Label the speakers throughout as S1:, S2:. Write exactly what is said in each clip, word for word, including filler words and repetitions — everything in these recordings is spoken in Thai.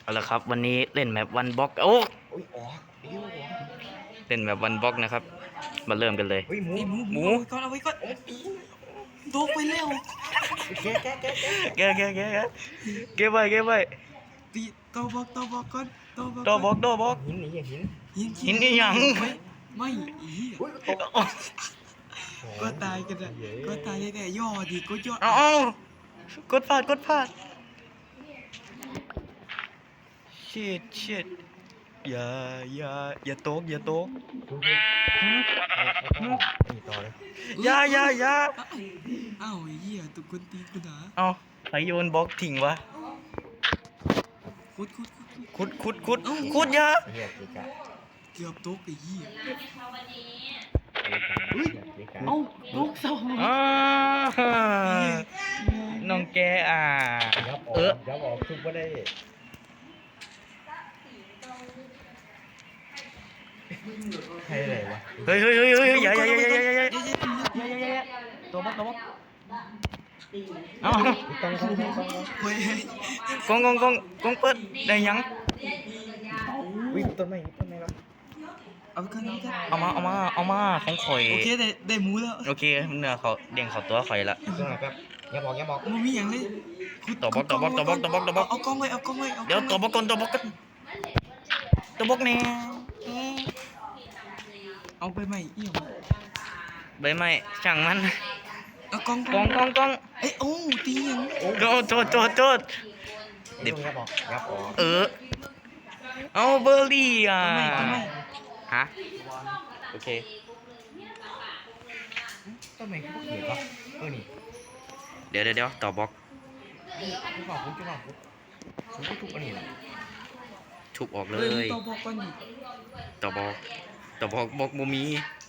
S1: เอาละครับวันนี้เล่นแมปวันบล็อกโอ้
S2: โอ้ยออกเดี๋ยวออก
S1: เล่นแมปวันบล็อกนะครับมาเริ่มกันเลย
S2: เฮ้ยหมู
S3: ไอ้หมู
S1: หมู
S3: เอาไว้ก่อนเอาไว้ก่อนโดกไปเร็ว
S2: แกะแกะแกะแกะ
S1: แกแกแกแกเก็บไว้เก็บไว้
S3: ตีโตบอกโตบอกก่อนโตบอก
S1: โตบล็อกโตบล็อก
S2: หินนี่หิน
S3: หิน
S1: หินนี่หยัง
S3: ไม่ไม่อี
S2: อุ้ยตก
S3: ก็ตายกันอะก็ตายได้แต่ย่อดีก็ย่อ
S1: เอาเอากดพลาดกดพลาดชิดชิดอย่าอย่าอย่าโตกอย่าโตก
S2: นี่ต่อเลย
S1: อย่าอย่าอย่า
S3: อ้าวไอ้เหี้ยตุกคนตีกูนะ
S1: เอาใครโยนบล็อกทิ้งวะ
S3: คุดคุดคุด
S1: ขุดขุดขุดขุดอย่า
S2: เฮียเกะกะ
S3: เกือบตกไอ้เหี้ย
S2: เฮ้ยเกะกะ
S3: เอ้าตกสอง
S1: อ่าน้องแกอ่ะ
S2: ยับออ
S1: เออก
S2: ยับออกทุบก็ได้ใครอะไรวะ
S1: เฮ้ยเฮ้ยเฮ้ยเฮ้ยอย่าอย่าอย่าอย่าอย่าอย่า
S3: เย้เย้
S1: ตัวบล็อกตัวบล็อกเอา
S2: ต้องต้องต้องต้อง
S3: เฮ้ย
S1: กงกงกงกงเปิดได้ยัง
S2: วิ่งต้นไม้ต้นไม้แล้ว
S3: เอาไปก่อนเอาไปก่อน
S1: เอามาเอามาเอามาของข่อย
S3: โอเคได้ได้หมูแล้ว
S1: โอเคเนื้อเขาเด้งเขาตัวข่อยละ
S2: ต้นไม้แป๊บยับออกยับออก
S3: มันมีอย่างเลยขุด
S1: ตัวบล็อกตัวบล็อกตัวบล็อกตัวบล็อกตัวบล็อก
S3: เอากล้องไว้เอากล้องไว้เอา
S1: เดี๋ยวตัวบล็อกก่อนตัวบล็อกก่อนตัวบล็อกเนี่ย
S3: เอาไปใหม่เอี่ยม
S1: ใบไม้ช่างมัน
S3: เอากล้อง
S1: กองกองกอง
S3: เอ้ยโอ้ตีอย่าง
S1: โจดโจดโจดโจด
S2: ยับยับออกยับออก
S1: เออเอาเบอร์รี่อ่ะ
S3: ทำไมทำไม
S1: ฮะโอเค
S2: ต้นไม้ก็เขียนวะเออนี่
S1: เดี๋ยวเดี๋ยวเดี๋ยวต่อบล็อก
S2: ทุบออกทุบออกทุบทุบทุบอันนี้แหละ
S1: ทุบออกเล
S3: เฮ้ย
S1: ย
S3: ตัวบอกก่อนดิ
S1: ต่อบล็อกต่อบล็อกบล็อกโมมี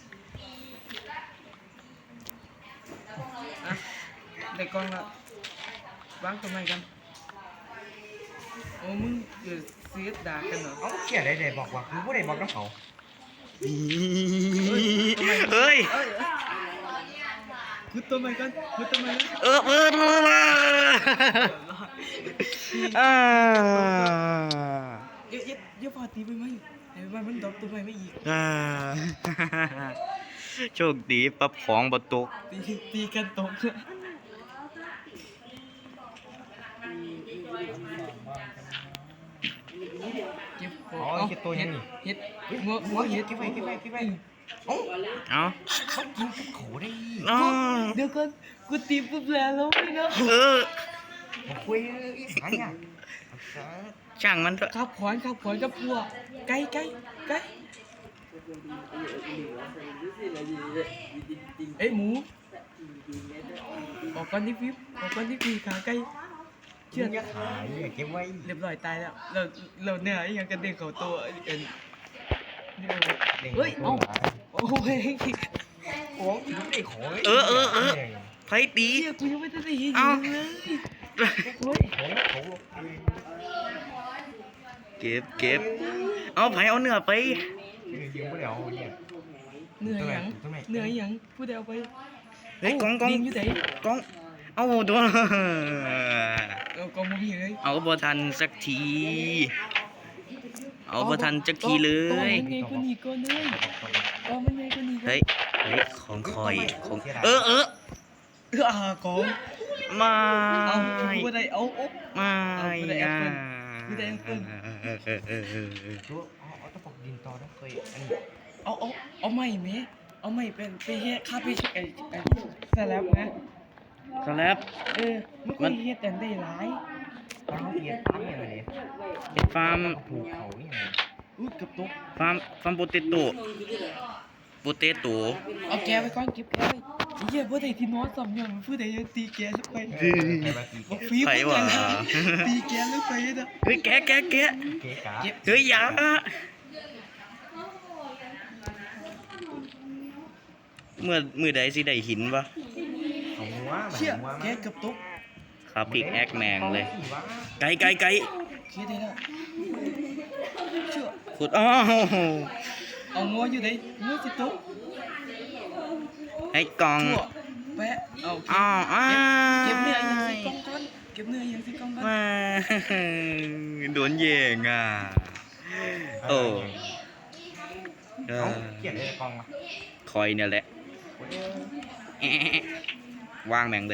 S3: อ่ะได้กล้องละวางทำไมกันโอ้มึงเกิดเสียดด่ากันเหรอ
S2: เอ้าเขียนได้เลยบอกว่าคือผู้ใดบอกน้องเขา
S1: เฮ้ย
S3: เอ้ยคุดตัวใหม่กันคุดตัวใหม่กัน
S1: เออเออเออมาอ่า
S3: เยอะเยอะเยอะพอตีไปไหมไอ้บ้านมันดรอปตัวใหม่ไม่อีก
S1: อ่าโชคดีปรับของบตก
S3: ตีตีกันตกเก็บข
S2: อ๋
S3: อ
S2: อง เก็บตัวยังนี่
S3: เฮ็ดงัวงัวเฮ็ด
S2: เก็บไว้เก็บไว้เก็บไว้เอ้า
S1: เอา
S2: เขากินกับเขาได้
S1: เอา
S3: เดี๋ยวก่อนกูตีปุ๊บแล้วแล้วไม่เนาะ
S1: เออ
S2: มาคุยอีสานเนี่ย
S1: ช่างมันเถอะ
S3: ขับขวานขับขวานกับพวกไก่ไก่ไก่เอ้ยหมูออกก่อนที่ฟิปออกก่อนที่ฟีขาไก่เชื่
S2: เชื่
S3: อ
S2: อจะขายเก็บไว้
S3: เรียบร้อยตายแล้วเราเราเนี่ยไอ้ยังกระเด็นเขาตัวเอ็นเฮ้ยเอ้าโอ้ย
S2: โอ้ยไม่ได้ของ
S1: เออเออเออไผตี
S3: เฮียกูยังไม่ได้เห็น
S1: เอ้า
S3: เลยโอ้ย
S2: ของเขา
S1: เก็บเก็บเอาไผเอาเนื้อไป
S2: ยิงไม่ได้เอาเนี่ย
S3: เหนื่อยหยังเหนื่อยหยังพูดเดียวไป
S1: เฮ้ยกองกอง
S3: ดินอยู่ไหน
S1: กองเอาตัว
S3: เอากองมุมเฮ้ย
S1: เอาบ่ทันสักที เอาบ่ทันสักทีเลย
S3: มันไงกูหนีก่อนเลยกองมันไงกูหนีก่อน
S1: เฮ้ยเฮ้ยของคอยของเออเออ
S3: เอออ่ากอง
S1: ไม่
S3: เอาพูดได้เอาโอ๊ะ
S1: ไม่
S3: เอาไม่ได้แอปเปิ้ลไม่ได้แอปเปิ้ล
S2: ตัวเอาเอาตะปบดินต่อนะเคยอันนี้
S3: เอาเอาเอาไม่ไหมเอาไม่เป็นไปเฮ็ดค่าไปไอ้ไอ้สลับนะ
S1: สแลบ
S3: เออไม่ค่อยเฮ็ดแต่ได้หลาย
S2: ตอนเขาเรียนตั้งอย่างไร
S1: เป็นฟาร์ม
S2: ผูกเขาอย่างไร
S3: อุ้ยเกับตก
S1: ฟาร์มฟาร์มโปเตโต้โปเตโต้
S3: เอาแกไปก่อนเก็บแกไว้ไอ้เหี้ยบ่ได้ที่นอนสำยังผู้ใดยังตีแกลงไป
S2: ใครมาตี
S3: บอกฟีบ
S1: ไผวะ
S3: ตีแกลงไปนะ
S1: เฮ้ยแกะแกะแกะ
S2: เก๋กา
S3: เก็บ
S1: เฮ้ยอย่าเมื่อมือใดสิได้หินวะ
S2: เขาหัว
S3: เชี่ย
S2: หัว
S3: แกเกับตก
S1: ครับพิกแอคแมงเลย ไกลไกลไกล
S3: เชี่ยได้แล้วเชื่อ
S1: ขุดอ้าว
S3: เอางัวอยู่ไหนงัวสิตก
S1: ให้กล่อง
S3: ชั่วแปะเอา
S1: อ้าวอ้า
S3: เก็บเนื้อยังใส่กล่องก่อนก็บเนื้อยังสิกล้องกัน
S1: มาโดนแย่งอ่ะโอ้เอ
S2: เอา
S1: อ
S2: เขียนในกล้องมา
S1: คอยเนี่ยแหละแอะวางแม่งเลย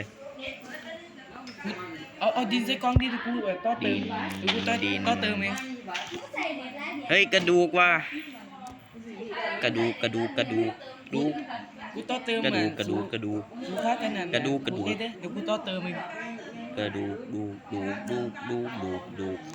S3: เอาเอาดินใส่กล้องดิเดี๋ยวกูเออต่อเติมเดี๋ยวกูต่อ
S1: ดิน
S3: ต่อเติมเอง
S1: เฮ้ยกระดูกว่ะกระดูกกระดูกกระดูกดูก
S3: กูต่อเติม
S1: กระดูก
S3: อ่
S1: กระดูกกระดูก
S3: กูค่ากันนั่น
S1: กระดูกกระดูก
S3: โอเคเด้เดี๋ยวกูต่อเติมเอง
S1: กระดูกดูกดูกดูกดูกดูกดูก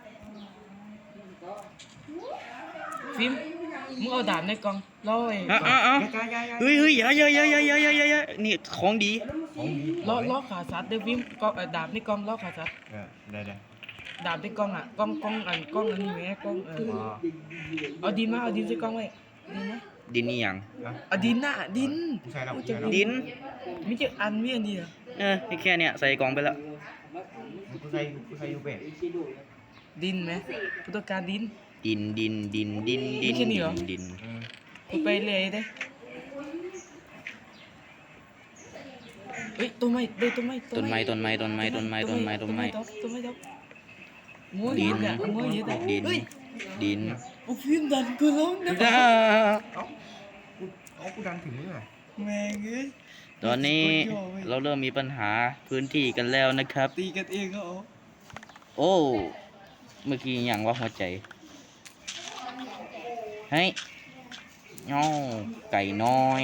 S3: ฟิล์มมึงเอาดาบในกล้องล่อไอ้
S1: อ่ะอ่ะอ่ะ
S2: ยายายา
S1: เฮ้ยเฮ้ยอย่าอย่าอย่าอย่าอย่าอย่าอย่าอย่านี่ของดี
S2: ของดี
S3: ล่อล่อขาสัตว์เด้อฟิล์มกล้องเอ่อดาบในกล้องล่อขาสัตว์
S2: เออได้ได้
S3: ดาบในกล้องอ่ะกล้องกล้องอันกล้องอันนี้แหมกล้องเออ
S2: อ๋อ
S3: เอาดินมาเอาดินใส่กล้องไว้ดินนะ
S1: ดินนี่ยัง
S2: อ่ะ
S3: เอาดินน่ะดิน
S2: ผู้ชายเราผู้ชายเรา
S1: ดิน
S3: มีจะอันมีอันเดียว
S1: เออนี่แค่เนี้ยใส่กล่องไปแล้ว
S2: ผู้ชายผู้ชายอยู่เบร
S3: ดินไหมกูต้องการดิน
S1: ดินดินดินดินดิน
S3: ไม่ใช่นี่เหรอ
S1: ดิน
S2: อืม
S3: กูไปเลยได้เฮ้ยต้นไม้เด้อต้นไม้
S1: ต้นไม้ต้นไม้ต้นไม้ต้นไม้ต้นไม้ต้นไม้
S3: ต้นไม้ต้นงัว
S1: ดิ
S3: เย
S1: น
S3: อะอะงัวเยอะอะ
S1: ดิน
S3: เฮ้ย
S1: ดิน
S3: โอ้ฟิล์มดันกูแล้วนะ
S1: จ้า
S2: เอ้ากูเอากูดันถึงมึงอ่ะ
S3: แม่งเอ้ย
S1: ตอนนี้เราเริ่มมีปัญหาพื้นที่กันแล้วนะครับ
S3: ตีกันเองเขา
S1: โอ้เมื่อกี้อย่างว่าหัวใจเฮ้ยย่อไก่น้อย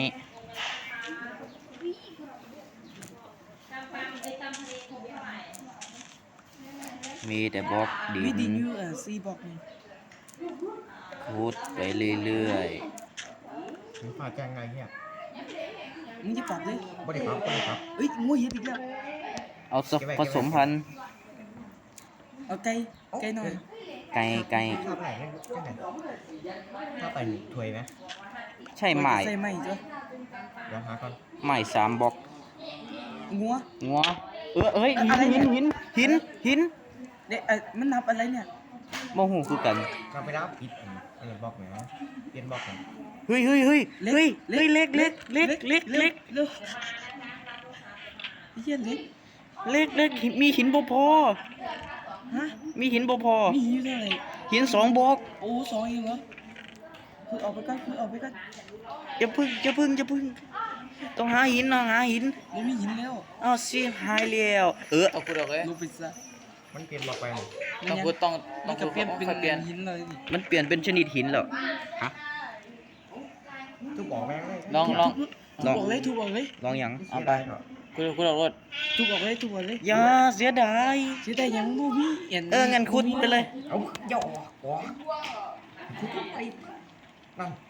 S1: มีแต่บล็อกดิ
S3: วิดิ
S1: น
S3: ยูอ่ะซีบอกนี่
S1: ขุดไปเรื่อย
S2: มึงพาแจ้งไงเนี่ย
S3: มึงจะปรับดิ
S2: บ่ได้ครับบ่ได้ครับ
S3: เฮ้ยงัวเยอะอีกแล้ว
S1: ๆ เอาสผสมพันธุ์
S3: เอาไก่ไก่หน่อย
S1: ไก่ไก่
S2: ภาพไหนเนี่ยแค่ไหนภาพไปถวยไหม
S1: ใช่ไหม
S3: ใส่ไหมจ้ะ
S2: เดี๋ยวหาก่อน
S1: ไหมสามบล็อก
S3: งัว
S1: งัวเออเอ้ยหิน
S3: อะไรเนี่
S1: หิ
S3: ย
S1: นหินหินหิน
S3: เด็กเอ้ยมันนับอะไรเนี่ย
S1: โมโหคือกัน
S2: เราไปรับผิดเออบล็อกไหนเปลี่ยนบล็อกไหน
S1: เฮ้ยเฮ้ยเฮ้ยเฮ้ยเฮ้ยเล็กเล็กเล็กเล็กเล็ก
S3: เล็กเฮียเล็ก
S1: เล็กเล็กมีหินบ่พอ
S3: ฮะ
S1: มีหินบ่พอ
S3: มีหิวเท่าไหร่
S1: หินสองบล็อก
S3: โอ้สองเองเหรอคือออกไปก่อนคือออกไปก่อน
S1: อย่าพึ่งอย่าพึ่งอย่าพึ่งต้องหาหินนะหาหิน
S3: ไม่มีหินแล้ว
S1: อ้าวสิหายแล้วเออ
S4: เอาคุณออกเลย
S3: ลงไปซะ
S2: มันเปลี่ยนบล็อกไปหมด
S4: ต้องคุณต้องต้
S3: มั
S4: อน ง
S3: ก็
S4: คุณ
S3: เปลี่ยนเป็น
S4: ค่อยเปลี่ยน
S3: หินเลยดิ
S1: มันเปลี่ยนเป็นชนิดหินแล้วฮะ
S2: ทุกบอกแม่งเลย
S4: ลองลอง
S1: ลอง
S3: ถูกออกเลยถูกออกเลย
S1: ลองหยัง
S2: เอาไป
S4: คุณคุณออกรถ
S3: ถูกออกเลยถูกออกเลย
S1: อย่าเสียดาย
S3: เสียดายยังบูมี่
S1: เอองั้นขุดไปเลย
S2: เอาย่อหัวทุกไปนั่น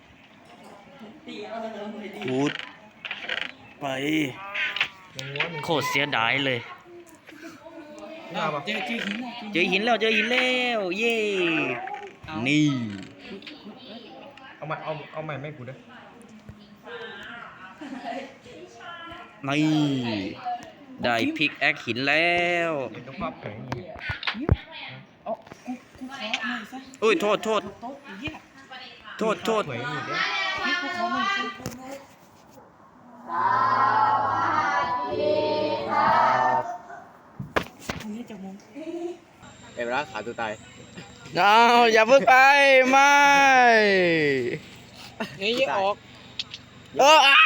S1: ขุดไป
S2: ยังงัวหนึ่ง
S1: โคตรเสียดายเลย
S2: เอาปะ
S3: เจอเจอหินอะ
S1: เจอหินแล้วเจอหินแล้วเย่นี่
S2: เอามาเอาเอาใหม่ไม่กูด้วย
S1: นี่ได้พิกแอคหินแล้ว
S2: เดี๋ยวภาพแข็งนี่
S3: เอากูกูขอหน่อยซะ
S1: โอ้ยโทษโทษ
S3: โต๊ะไอ้เหี้ย
S1: โทษโทษ
S2: ถวยนี่เด้
S3: พี่กูขอหน่อยซะตรงนี้จะมอง
S4: เอ็มรักขาตัวตาย
S1: เอาอย่าเพิ่งไปไม่
S3: นี่ยังออก
S1: เอออ่ะ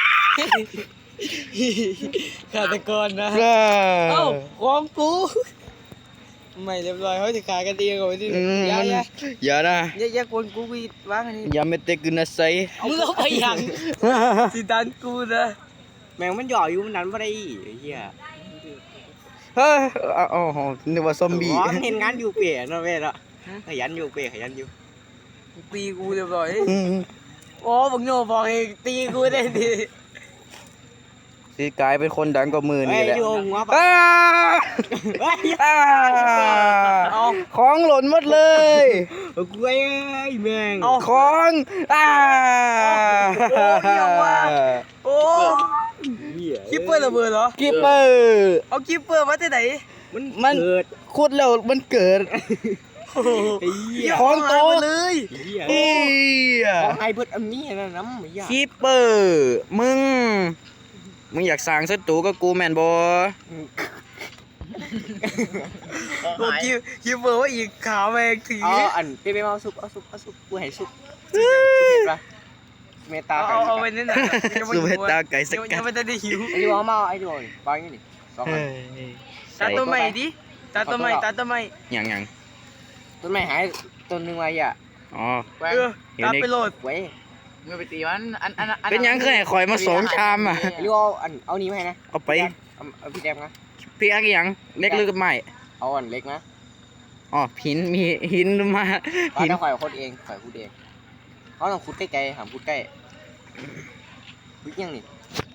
S3: ฆาตกรนะ
S1: เอ
S3: เอ้า
S1: อ
S3: ของกูไม่เรียบร้อยเขาจะขายกันเองเอาไว้ที่
S1: อืม
S3: อย่าอย่า
S1: อย่านะ
S3: อย่าอย่าคนกูวีวางอันนี้
S1: อย่าไม่เตะกุนนะไซ
S3: มึงเอาไปยังสิดันกูนะ
S4: แมงมันหย่ออยู่มันนั้นไม่ได้ไอ้เหี้ย
S1: เฮ้ยอ๋อนึกว่าซอมบี้
S4: อ๋อมันเห็นงานอยู่เปียเนาะเว้ยเนาะขยันอยู่เปียขยันอยู่
S3: ตีกูเรียบร้อย
S1: อืม
S3: โอ้บังโง่บอกเองตีกูได้ดิ
S1: สิกลายเป็นคนดังกว่ามือ
S4: เฮ้
S1: นี่
S4: ย
S1: แหละ
S4: อยู่หัวปะ
S1: อ้า
S4: เฮ้ย
S1: อ้า
S4: เอา
S1: ของหล่นหมดเลย
S4: เอากูไอ้แมง
S1: ของอ้า
S3: โอ้เหี้ยว่ะ โอ้
S4: เหี้ย
S3: คิปเปอร์ระเบิดเหรอ
S1: กิปเปอร์
S3: เอาคิปเปอร์มาจากไหน
S4: มัน
S1: มัน
S4: เกิด
S1: ขุดแล้วมันเกิด
S4: ไอ้เหี้ย
S1: ของโต
S3: หายไปเลย
S4: ไอ้เหี้ย
S1: เอีย
S4: ของไอ้เบิดอันนี้นะน้ำไอ้เหี้ย
S1: กิปเปอร์มึง มึงอยากสร้างศัตรูกับกูแม่นบ่
S3: กูคิวคิวเบอร์ว่าอีกขาวแมงที
S4: อ๋ออันเป๊ะๆเอาซุปเอาซุปเอาซุปกูให้ซุปซุปเผ็ดปะเมตา
S3: เอา
S4: ไก่
S3: เอาไปนั่นน่ะ
S1: ซูเปอร์ตาไก่สกั
S3: ยั
S1: ด
S3: งไม่ได้หิว
S4: ไอ้ที่ว่ามาไอ้ที่ว่าบางอย่างนี่สองอัน
S3: ตาตัวใหม่ดิตาตัวใหม่ตาตัวใหม่
S1: อย่างอย่าง
S4: ต้นไม้หายต้นนึงไว้อ่ะ
S1: อ๋อ
S3: เออตาไปโหลด
S4: เว้ย
S5: เมื่อไปตีมันอันอันอัน
S1: เป็นยังเคยคอยมาสองชามอ่ะ
S4: ไอ้ที่ว่าอันเอานี้มาให้นะ
S1: เอาไป
S4: เอาเอาพี่แดมนะ
S1: พี่อักยังเล็กหรือไม่
S4: เอาอันเล็กนะ
S1: อ๋อหินมีหินมา
S4: หิ
S1: หิ
S4: น
S1: น
S4: ถ้าข่อยคนเองข่อยพูดเองเขาต้องพูดใกล้ๆหามพูดใกล้พูดยังนี่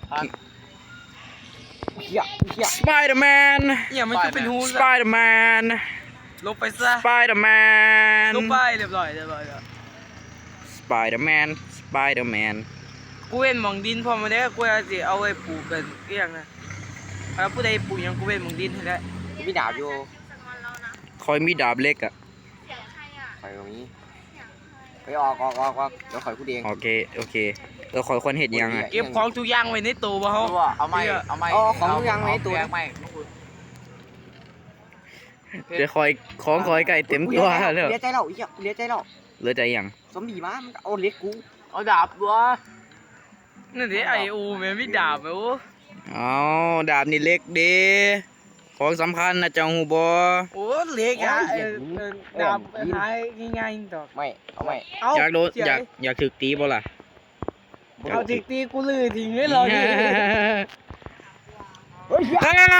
S4: เฮียเฮีย
S1: สไปเดอร์แมน
S3: เนี่ยมันจะเป็นหู
S1: สไปเดอร์แมน
S3: ลงไปซะ
S1: สไปเดอร์แมน
S3: ลงไปเรียบร้อยเรียบร้อยแล้ว
S1: สไปเดอร์แมนสไปเดอร์แมน
S3: กูเว้นหมองดินพอมาได้กูจะสิเอาไว้ปลูกกันเกี่ยงนะถ้าผู้ใดปลูกยังกูเว้นหมองดินให้ได้
S4: กูมีดาบอยู่
S1: คอยมีดาบเล็กอ่ะ
S4: ข่อยตรงนี้ไปออกออกออกออกเดี๋ยวข่อยพูดเอง
S1: โอเคโอเคเออคอยคนเห็ดยังอ่ะ
S3: เก็บของทุกอย่างไว้ในตู้บ่เฮา
S5: เอาไม่เอาไม่ไม่
S1: เดี๋ยวคอยของคอยไก่เต็มตัวเลย
S4: เลี้ยใจเราเฮียเลี้ยใจเรา
S1: เหลือใจยัง
S4: ซอมบี้มามันเอาเล็กกู
S5: เอาดาบดัว
S3: นั่นดิไออูแม่นมีดาบแม่โอ้
S1: เอาดาบนี่เล็กเด้ของสำคัญนะเจ้าหูบอ
S3: โอ้เล็กอ่ะเออดาบหายง่ายๆดอก
S4: ไม่เอาไม่
S3: เอา
S1: อยากโดนอยากอยากถึกตีบ่ล่ะ
S3: เอาจิกตีกูลือทิ้งให้เราดิ
S4: เฮ้ย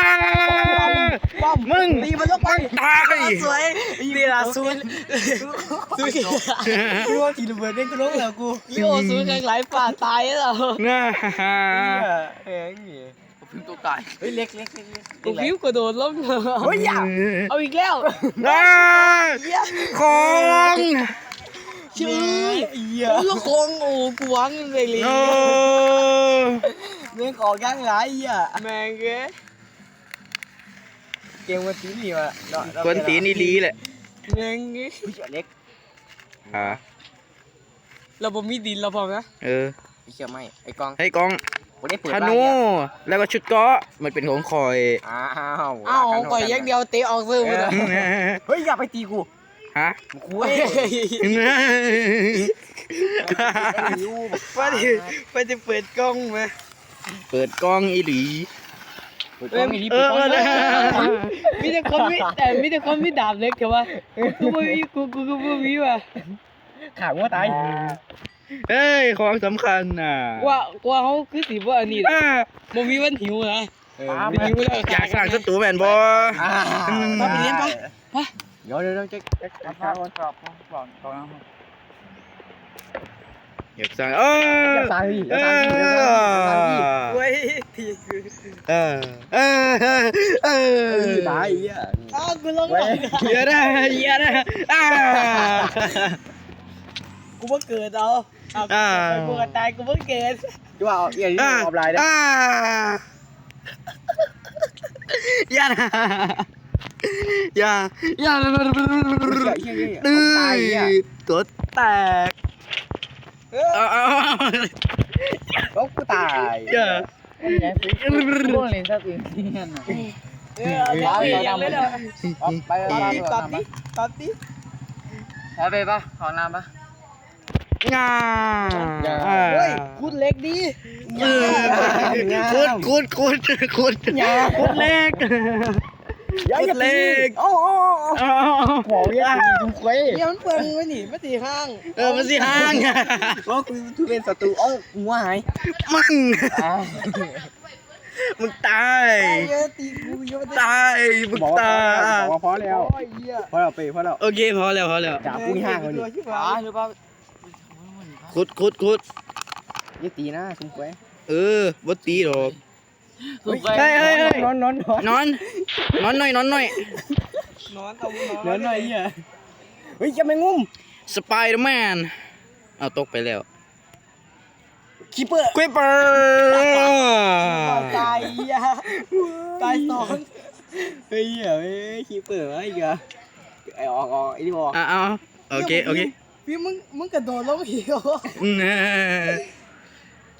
S1: มึง
S3: ตีมันลงไป
S1: ตาย
S3: สวยตีละซุนซุนกูว่าทีระเบิดได้กูลงแล้วกูลิโอซุนหลายป่าตายแล้ว
S1: น่า
S3: เอ้ยนี่
S5: พิมพ์ตัวตาย
S4: เฮ้ยเล็กเล็กเล็กเล็ก
S3: กูพิ้วกระโดดลง
S4: เฮ้ยอย่า
S3: เอาอีกแล้ว
S1: ได้ของ
S3: ชื่อโอ้ยคงโอ้กูวางเลยเลย
S1: โอ้
S4: เรื่องของยังไงอ่ะ
S3: แมงเอ้ย
S4: เกมวันตีนี่มาเนาะ
S1: คนตีนี่ลีแหละ
S3: แมงเอ้ย
S4: เฮ้ยเล็ก
S1: อ่า
S3: เราบ่มีดินเราพอไหม
S1: เออ
S4: ไอ้เชี่ยไม่ไอ้กอง
S1: ให้กอง
S4: กูได้เปิด
S1: ธนูแล้วก็ชุดเกราะมันเป็นของคอย
S4: อ้าว
S3: อ้าวปล่อยอย่างเดียวเตะออกซื้อ
S4: เอ
S3: มา
S4: อเฮ้ยอย่าไปตีกู
S1: ฮะ
S4: กูเว้ย
S3: ว่าดิว่าจะเปิดกล้องไหม
S1: เปิดกล้องอีหลี
S4: เปิดกล้องอีนี่
S1: เอ
S4: เปิด
S1: อก
S4: ล้อง
S1: เออ
S3: มีแต่คนมีแต่มีแต่คนมีดาบเล็กแต่ว่ากูไม่มีกูกูกูไม่มีว่ะ
S4: ขาหัวตาย
S1: เฮ้ยของสำคัญน่ะ
S3: ว่าว่าเขาคือสีว่าอันนี้
S1: อ่า
S3: บ่มีวันหิวนะ
S4: เออ
S3: หิวแล้ว
S1: อยากสร้างศัตรูแมนบอ
S3: มาไปเลี้ยงปะ
S4: เดี๋ยวเดี๋ยวเดี๋ยวจะจะ
S5: เอาผ้าก่อนกรอบกรอบกรอบ
S1: อยากสร้างเออ
S4: จะตายพี่
S1: เอ
S4: จะตายพี่จะตายพี่
S3: เว้ยทีคือ
S1: อเออเออเออ
S4: ตายอ่ะ
S3: อ้าวกูลงหลัง
S1: เยอะนะเยอะนะอ่า
S3: กูเพิ่งเกิดเอากูก็ตายกูเพิ่งเกิด
S4: ที่ว่าเอียนี่ออฟไลน์นะ
S1: อ่าอย่านะอย่าอย่า
S4: เฮียเฮีย
S1: ดื้
S4: ตายอ่ะ
S1: อตัวแตกเอาเอา
S4: ก็กูตาย
S1: อย่า
S5: พวกเล่นซะอื่นที่นั่นน่ะ
S3: เออเอาเลี้ยงเลยเนาะ
S5: ไปไป
S3: ตัดดิตัดดิ
S5: เอาไปปะขอน้ำปะ
S1: งา
S3: เฮ้ยคุณเล็กดี
S1: คุดคุดคุดคุดคุดเล็กคุดเล็ก
S4: โอ้โอ้ขอเรียกกูคุย
S3: เนี่ยมันเปิดมือหนีมาตีห้าง
S1: เออมันสิห้าง
S4: ว่ากูทุเรศศัตรูเอ้ากูหาย
S1: มึงมึงตาย
S3: เยอะตีกูเยอะ
S1: ตายมึงตาย
S4: บอกว่าพอแล้ว
S3: โอ้ยเหี้ย
S4: พอแล้วไปพอแล้ว
S1: โอเคพอแล้วพอแล้ว
S4: จ่ากูห่างเลย
S5: อ๋อหรือเปล่า
S1: คุดคุดคุด
S4: อย่าตีนะซุ่มคุย
S1: เออบ่ตีหรอก
S5: ถูกไป
S1: เฮ้ยเฮ้ยเฮ้ย
S4: นอนนอนนอน
S1: นอนนอนหน่อยนอนหน่อย
S3: นอนเอาน
S4: น
S3: อ
S4: อน นหน่อยเหี้ยเฮ้ยจะไม่งุ้ม
S1: สไปเดอร์แมนเอาตกไปแล้ว
S4: คีเปอร์
S1: ควิปเปอร์
S3: ตายเหี้ยตายสอง
S4: เฮ้ยเฮ้ยคีเปอร์ไอ้เหี้ยไอ้ออกออกไอ้ที่บอก
S1: อ่ะเอาโอเคโอเค
S3: พี่มึงมึงกระโดดลงเหว
S1: อืม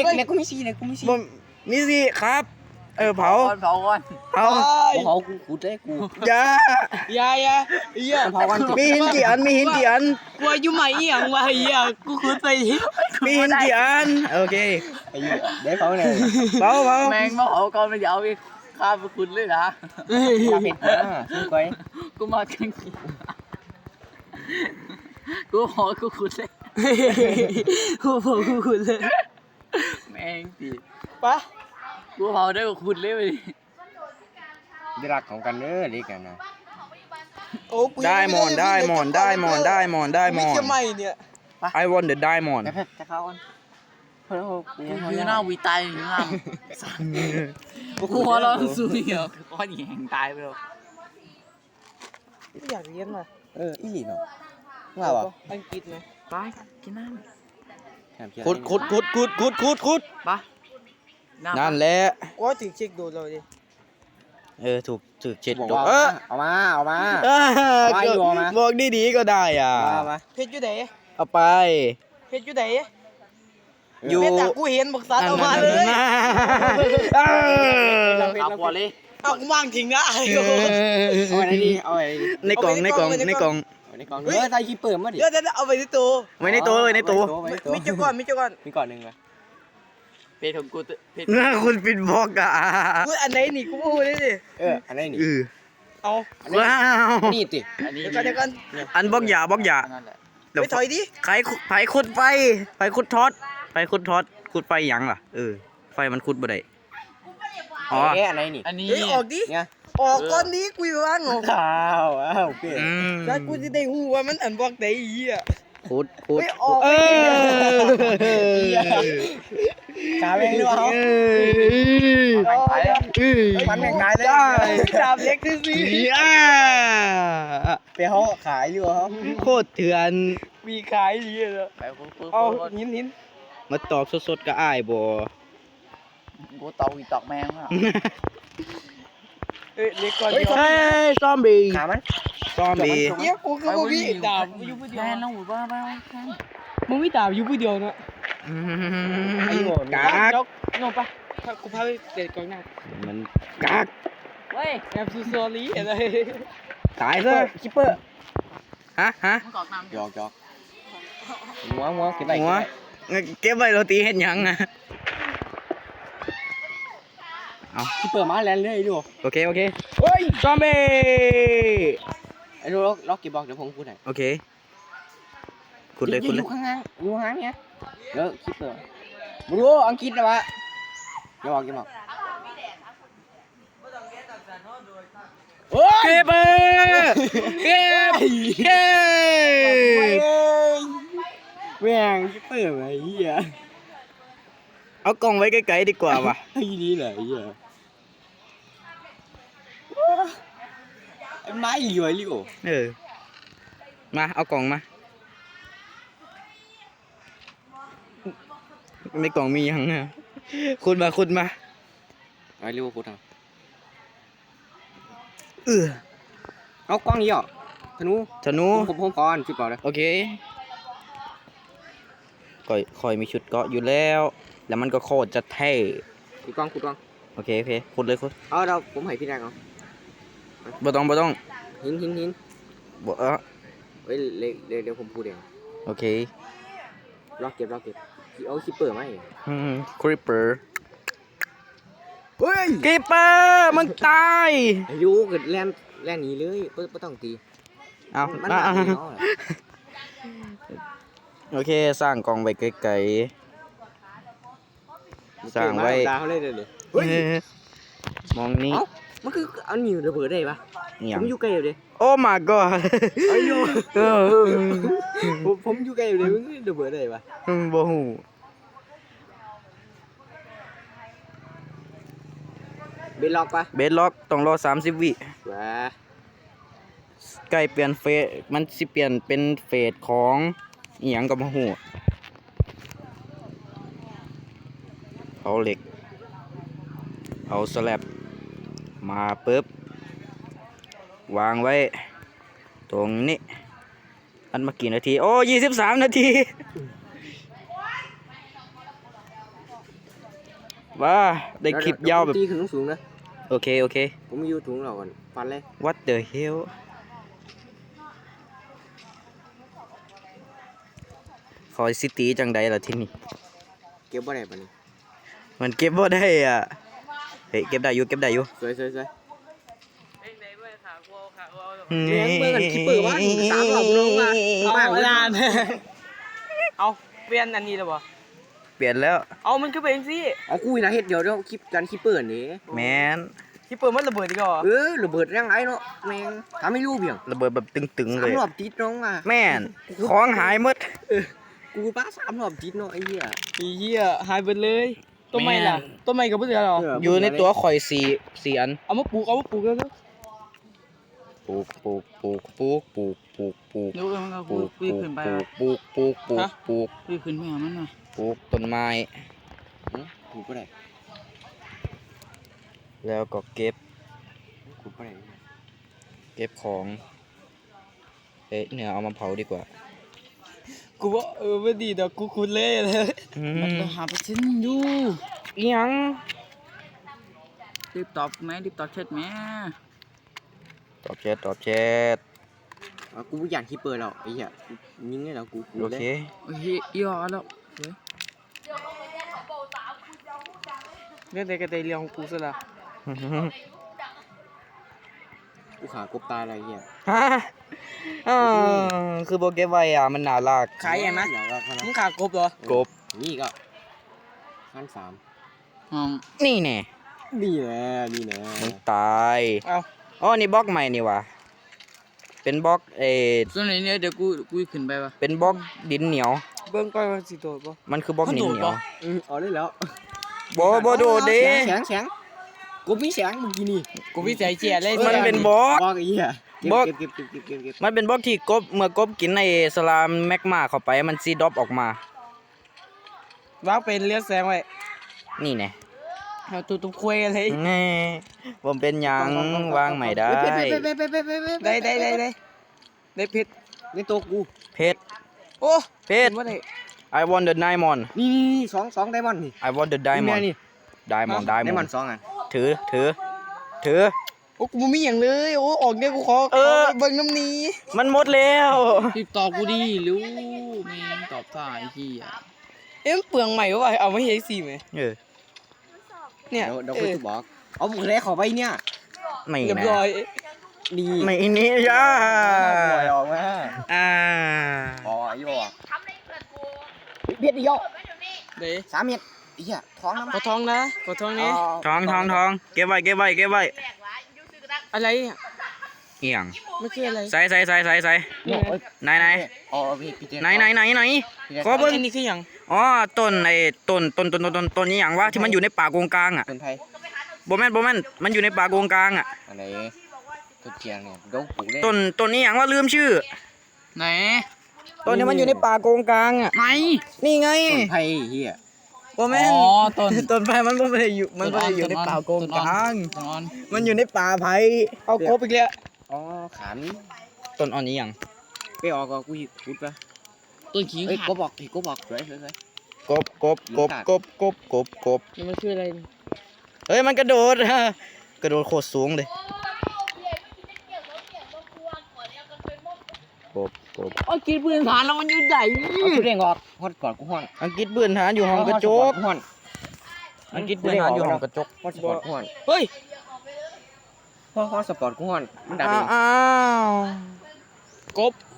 S4: ล็กเล็กกูมีสีเล็กกูมีสี
S1: บ่มีสิครับ เออเผา
S5: ก่อนเผาก่อน
S1: เผา
S4: เผากูขุดได้กู
S1: อย่า
S3: อย่าอย่าเหี้ย
S4: เผากัน
S1: มีหินกี่อันมีหินกี่อัน
S3: กลัวอยู่ไหมอีหยังวะเหี้ยกูขุดไปดิ
S1: มีหินกี่อันโอเค
S4: ไอ้เหี้ยได้เผาเลย
S1: เผาเผา
S5: แมงมาเผาก่อนมันจะเอาไปฆ่าไปคุณเลยนะ
S4: ตาเป็ดอ่ะสู้ไว้
S5: กูมากันกูหอกูขุดเลย
S3: โอ้โหกูขุดเลย
S5: แมงตี
S3: ปะ
S5: กูเผาได้กูขุดเลยไปดิ
S4: ได้รักของกันเด้อเด็กกันนะ
S3: โอ้กู
S1: ได้หมอนได้หมอนได้หมอนได้หมอนได้หม
S3: ไม่
S1: อน
S3: ใช่ไหมเนี่ย
S1: I want the diamond
S4: แล้วจะเข้ากันเพื่อนกู
S5: กูคือหน้าวีตายอยู่ข้างกูหัวเราะสู้เหรอก้อนแหงตายไปแล้ว
S3: อยากเรียนว่ะ
S4: เอออีหลีเนาะว่าบ่
S3: อังกฤษไหม
S5: ไปกินน้
S1: ขุดขุดขุดขุดขุดขุดขุด
S5: ำไปำ
S1: นั่นแหละ
S3: กูถึงเช็คดูเราดิ
S1: เออถูกถูกเจ็ด
S4: บอก
S1: ดอก
S4: ว่า
S1: เออ
S4: เอามาเอามา
S1: เออ
S4: มาอยู่เอามา
S1: บอกดีๆก็ได้อ่ะ
S4: เอามา
S3: เพชรอยู่ไหน
S1: เอาไป
S3: เพชรอยู่ไหน
S1: อยู่
S3: เพชรแต่กูเห็นบอกสัตว์เอามาเลย
S1: เออ
S5: เอาปวดเลย
S3: เอากูวางทิ้งนะ
S4: เอาไว้ดีเอาไว้ดี
S1: ในกล่องในกล่องในกล่อง
S4: เอาในกล่องเออใส่คีเปิดมาดิ
S3: เดี๋ยวเดี๋ยวเอาไปที่ตัว
S1: ไว้ในตัวไว้ในตัว
S4: ไว้ในตัว
S3: มิจุก่อนมิจุก่อน
S4: มีก่อนหนึ่งเลย
S5: เพชรของกูเพชร
S1: น่าคุณปิดบล็อกอ่ะ
S3: กูอันไหนนี่กูพูดได้ดิ
S4: เอออันนี้นี่
S1: เออ
S3: เอา
S1: ว้าว
S4: นี่ติ
S5: อันนี้
S3: เดี๋ยวก่อนเดี๋ยวก่อน
S1: อันบล็อกหยาบล็อกหยา
S5: นั่นแหละ
S1: เดี๋ยว
S3: ไปถอยดิ
S1: ใครขุดไผขุดไฟไฟขุดทอดไฟขุดทอดขุดไฟหยังล่ะเออไฟมันขุดบ่ได้อ๋อ
S4: เอ๊ะอะไรนี่
S5: อันนี้
S3: เฮ้ยออกดิ
S4: เนี่ย
S3: ออกก่อนนี้กูอยู่ว่างออก
S4: ข้าวอ้าวเป้
S1: อืม
S3: ถ้ากูจะได้หูว่ามันอันบอกได้อีอ่ะ
S1: ขุดขุด
S3: ไม่ออก
S1: เออ
S4: ขาแม่งด้วยเขา
S5: ไปแล้ว
S4: มันแม่งขายเลย
S3: ดาบเล็กที่สิ
S1: อ่า
S4: ไปเขาขายอยู่เขา
S1: โคตรเถื่อน
S3: มีขายดีเลย
S5: ไปปุ๊บปุ๊บ
S3: เอา
S5: ปุ๊บ
S3: หินหิน
S1: มาตอกสดๆก็อ้ายบ่
S5: กูตอกอีตอกแมงอ่ะ
S3: เอ้ยเล็กก่อน
S1: เฮ้
S3: เดียว
S1: ยซอมบี้
S4: ขามัน
S1: ซอมบี้
S3: เดี๋ยวกูก็บ่มีดาบอยู่ผู้เดียว
S5: แค่น้องหูบ้าบ้าแค่
S3: มึงมีดาบอยู่ผู้เดียวเนาะ
S4: ไอ้โง่
S1: กาก
S3: จกนอนปะถ้ากูพาไปเด็ดกองหน้า
S1: มันกาก
S5: เว้ย
S3: แอบซูซอรี่อะไร
S1: ตายซะ
S4: คิปเปอร์
S1: ฮะฮะ
S5: มึงกอกน้ำ
S4: หยอกหยอกหัวหัวเก็บไป
S1: หัวเก็บไว้โรตีเฮ็ดหยังอ่ะ
S4: คิปเปอร์มาแล้วเลยดู
S1: โอเคโอเคเฮ้ยซอมบี้
S4: ไอ้ดูล็อกล็อกเก็บบอกเดี๋ยวผมพูดให้
S1: โอเคขุดเลยขุด
S4: อ
S1: เลย
S4: ยู่ข้างล่างอยู่ข้างเนี้ยเดี๋ยวคิปเปอร์มาดูอังกฤษนะวะอย่าบอกอย่าบอก
S1: เก็บเออเก็บเก็บ
S4: แม่งคิปเปอร์ไอ้เหี้ย
S1: เอากล่องไว้ไกลๆดีกว่าว่ะ
S4: ไอ้นี่แหละไอ้เหี้ยไอ้ไม้เหลือยลิโอ
S1: เออมาเอากล่องมาในกล่องมียังอ่ะขุดมาขุดมา
S4: ไอ้ลิโอพูดทาง
S1: เออ
S4: เอากล้องนี้เหรอธนู
S1: ธนู
S4: ผมผมก่อนชุดก่อนเลย
S1: โอเคก่อยคอยมีชุดเกาะอยู่แล้ว แล้วมันก็โคตรจะเท่
S4: ขุดกล้องขุดกล้อง
S1: โอเคโอเคขุดเลยขุด
S4: เอาเราผมให้พี่แรกเอา
S1: บ่ต้องบ่ต้อง
S4: หินหินหิน
S1: บ่เออ
S4: เฮ้ยเดี๋ยวเดี๋ยวเดี๋ยวผมพูดเอง
S1: โอเค
S4: ล็อกเก็บล็อกเก็บเอาคิปเปอร์ไหม
S1: คริปเปอร์
S4: เฮ้ย
S1: คริปเปอร์มันตาย
S4: อายุเกิดแลนแลนหนีเลยเพิ่ไม่ต้องตี
S1: เอา
S4: มัน
S1: อ่ะ
S4: หนัก
S1: อ่ะ
S4: เนาะ
S1: โอเคสร้างกล่องไว้ไกลๆสร้างไว้
S4: ดาวเลยเดี๋ยวนี้
S1: เฮ้ยมองนี่
S4: เอ้ามันคือเอาหนิวระเบิดได้ปะ
S1: เหี่ย
S4: ผมอยู่ไกลอยู่ดิ
S1: โอ้ my god
S4: ไอ้โย
S1: เออ
S4: ผมผมอยู่ไกลอยู่ดิมันระเบิดได้ปะ
S1: บ่ฮู้
S4: เบนล็อกปะ
S1: เบสล็อกต้องรอสามสิบวิ
S4: ว้า
S1: ใกล้เปลี่ยนเฟสมันสิเปลี่ยนเป็นเฟสของอีหยังก็บ่ฮู้เอาเหล็ก เอาสแลบมาปึ๊บวางไว้ ตรงนี้อันมากี่นาที โอ้ยี่สิบสามนาทีว้าได้คลิปยาวแบบ
S4: ตีขึ้นสูงๆนะ
S1: โอเค โอเค
S4: ผมอยู่ถุงเราก่อนฟันเลย
S1: what the hell คอยซิตี้จังใดล่ะที่นี่
S4: เก็บบ่ได้ปะนี่
S1: มันเก็บบ่ได้อ่ะ เฮ้ยเก็บได้อยู่เก็บได้อยู่
S4: สวยสวยสวย
S3: เอ้ยไหนเว้ยขากูขากู
S4: เลี้ยงเบิ่งกันคิปเปอร์ว่าสามรอบน้องมา
S3: เอา
S4: บ้าง
S3: นานเอาเปลี่ยนอันนี้แล้วบ่
S1: เปลี่ยนแล้ว
S3: เอามันคือเป็นสิ
S4: เอาคุยนะเฮ็ดเดี๋ยวเดี๋ยวคลิปกันคิปเปอร์นี่
S1: แมน
S3: ที่เปิดมันระเบิดดีกว่า
S4: เออระเบิดแรงไรเนาะแม่งทำให้รู้เบี่ยง
S1: ระเบิดแบบตึงๆ
S4: สา
S1: เล
S4: ม
S1: ย
S4: รอบติดน้องมา
S1: แม่น ของหายหมด
S4: กูป้าสามรอบติดเนาะไอ้เหี้ย
S3: อีเหี้ยหายไปเลยต้นไม้ล่ะต้นไม้กับเพื่อนเหรอ
S1: อยู่ในตัวข่อยสี่สี่อัน
S3: เอามาปลูกเอามาปลูกแล้วก็
S1: ปลูกปลูกปลูกปลูกปลูกปลูกปลูก
S5: เดี๋ยวเออมันก็
S1: ปลูกป
S5: วิ่
S1: ลู
S5: ง
S1: ก
S5: ขึ้นไป
S1: ปลูกปลูกปลูกปลูกปลูก
S5: วิ่งขึ้นไปหามันน่ะ
S1: ปลูกต้นไม้
S4: กูก็ได้
S1: แล้วก็เก็บ
S4: กูก็ได้
S1: เก็บของเอ๊ะเนี่ยเอามาเผาดีกว่า
S3: กูว่าเออไม่ดีดอกกูคุ้นเล่เลย
S1: อื
S5: มัน
S1: ม
S5: ก็หาเปอร์เซ็นต์อยู่
S1: อิหยัง
S5: รีบตอบแม่รีบตอบแชทแม่
S1: ตอบแชทตอบแชท
S4: เอากูอยากคิปเปอร์แล้วไอ้เหี้ยยิงได้แล้วกูกู
S1: โอ
S4: เล
S1: เค
S4: ย
S5: โอ้ยยอดแล้วเฮ้ย
S3: เรื่องใดก็ได้เรื่องของกูซะละ
S4: กูขากบตายอะไรเหี้ย
S1: ฮะอ่าคือโบเก็บไว้อ่ะมันน่ารัก
S3: ขายยังนะ
S4: อยากรัก
S3: มึ
S4: นะ
S3: งขากบเหรอก
S1: บ
S4: นี่ก็ขั้นสาม
S5: ห้อง
S1: นี่แน่
S4: นี่แหละนี่แหละ
S1: มึงตาย
S3: เอา
S1: อ๋อนี่บล็อกใหม่นี่ว่ะเป็นบล็อกเออ
S5: ส่วนไหนเนี่ยเดี๋ยวกูกูขึ้นไปปะ
S1: เป็นบล็อกดินเหนียว
S3: เบิ่งก่อนว่าสิโดดบ่
S1: มันคือบล็อก
S5: มัน
S1: ดิน
S5: โดด
S1: เหนียว
S5: ปะ
S4: อือเอาได้แล้ว
S1: บ่บ่โดดเด้
S4: แสงแสงกบมีแสงเมื่อกี้นี่
S3: กูวิจัยเจียเลย
S1: มันเป็นบล็อก
S4: บอกไอ้เหี้ยเก็
S1: บอก
S4: บเก็บเก็บเก็บเก็บเก็บ
S1: มันเป็นบล็อกที่กบเมื่อกบกินในสลามแมกมาเข้าไปมันซีดรอปออกมา
S3: วางเป็นเลือดแสงไว้
S1: นี่แน่
S3: เอาตัวตุ้มคุยอะไร
S1: แน่ผมเป็นหยังวางใหม่ได้
S4: ไปไปไปไปไปไปไป
S3: ได้ได้ได้ได้ได้เพชร
S4: ในตัวกู
S1: เพชร
S3: โอ้
S1: เพชร
S3: บ่ได้
S1: I want the diamond
S4: นี่นี่นี่สองสองไดมอนด์นี่
S1: I want the
S4: นี่
S1: diamond
S4: นี่
S1: diamond
S4: ไดมอน
S1: diamond
S4: ด์สองอ่ะ
S1: ถือถือถือ
S3: โอ้กูบ่มีหยังเลยโอ้ออกเนี่ยกูขอ
S1: เออ
S3: ขเบิ่งน้ำนี้
S1: มันหมดแล้ว
S5: รีบตอบกูดิรู้แม่งตอบท่าไอ้เหี้ย
S3: เอ๊ะมันเปลืองใหม่วะเอามาเฮ็ดสิแม่
S1: เออ
S3: เนี่ย
S4: เดี๋ยวเดี๋ยว
S3: เอ
S4: กู
S3: อ
S4: จะบอกเอาหมูแดงขอไปเนี่ย
S1: ไม่
S3: เรียบ
S1: แน่
S3: ร้อย
S4: ดี
S1: ไม่นี่ย่า
S4: ปล่อยออกมา
S1: อ่า
S4: อ๋อไอ้โย่อะเบียดเดียว
S3: เด้
S4: สามเม็ดไอ้เหี้ยท้องน้ำ
S3: ขอท้องนะขอท้องนี่
S1: ทองทองทองเก็บไว้เก็บไว้เก็บไว้
S3: อะไรอ่ะ
S1: เอียง
S3: ไม่คืออะไร
S1: ใส่ใส่ใส่ใส่ใส่
S4: เนี่ยเอ้ย
S1: ไหนไหน
S4: อ๋อพี่พี่เจ
S1: ไหนไหนไหนไหน
S4: พี่เจ
S1: ขอเบิ่ง
S3: อันนี้คือหยัง
S1: อ๋อต้นไอ้ต้นต้นต้นต้นต้นต้นนี้อย่างว่าที่มันอยู่ในป่าโกงกลางอ่ะ
S4: เป็นไทย
S1: บ่แม่นบ่แม่นมันอยู่ในป่าโกงกลางอ่ะ
S4: อะไรตัวเทียงเนี่ยเดี๋ยวปลูกได้
S1: ต้นต้นนี้อย่างว่าลืมชื่อ
S5: ไหน
S1: ต้นนี้มันอยู่ในป่าโกงกลางอ่ะ
S5: ไหน
S1: นี่ไง
S4: ต้นไผ่เหี้ย
S1: บ่แม่น
S5: อ๋อต้น
S1: ต้นไผ่มันบ่ได้อยู่มันบ่ได้อยู่ในป่าโกงกลาง
S5: ต้นอ่อน
S1: มันอยู่ในป่าไผ่
S3: เอาครบอีกแล้ว
S4: อ๋อขัน
S1: ต้นอ่อนนี้หยัง
S4: ไปออกก็กูพูดไป
S5: ต้นขิง
S4: เอ้ย
S5: ขาด
S4: ก็บอกก็บอกสวยสวยสวย
S1: กบกบกบกบกบกบกบ
S3: นี่มันคืออะไร
S1: เฮ้ยมันกระโดด กระโดดโคตรสูงเลยกบกบ
S5: โอ้กินปืนฐานแล้วมันอยู่ไหน
S4: เอากูเด้งออกฮอดก่อนกูฮ้อน
S1: อังกฤษเบื่อนหานอยู่ห้องกระจก
S4: ฮ้อน
S1: อังกฤษเบื่อนหานอยู่ห้องกระจก
S4: ฮอดสปอร์ตกูฮ้อน
S3: เฮ้ย
S4: ฮอดฮอดสปอร์ตกูฮ้อนมันดับ
S1: อ้า
S4: เอ
S1: ว
S4: ง
S1: อ้าว
S3: กบ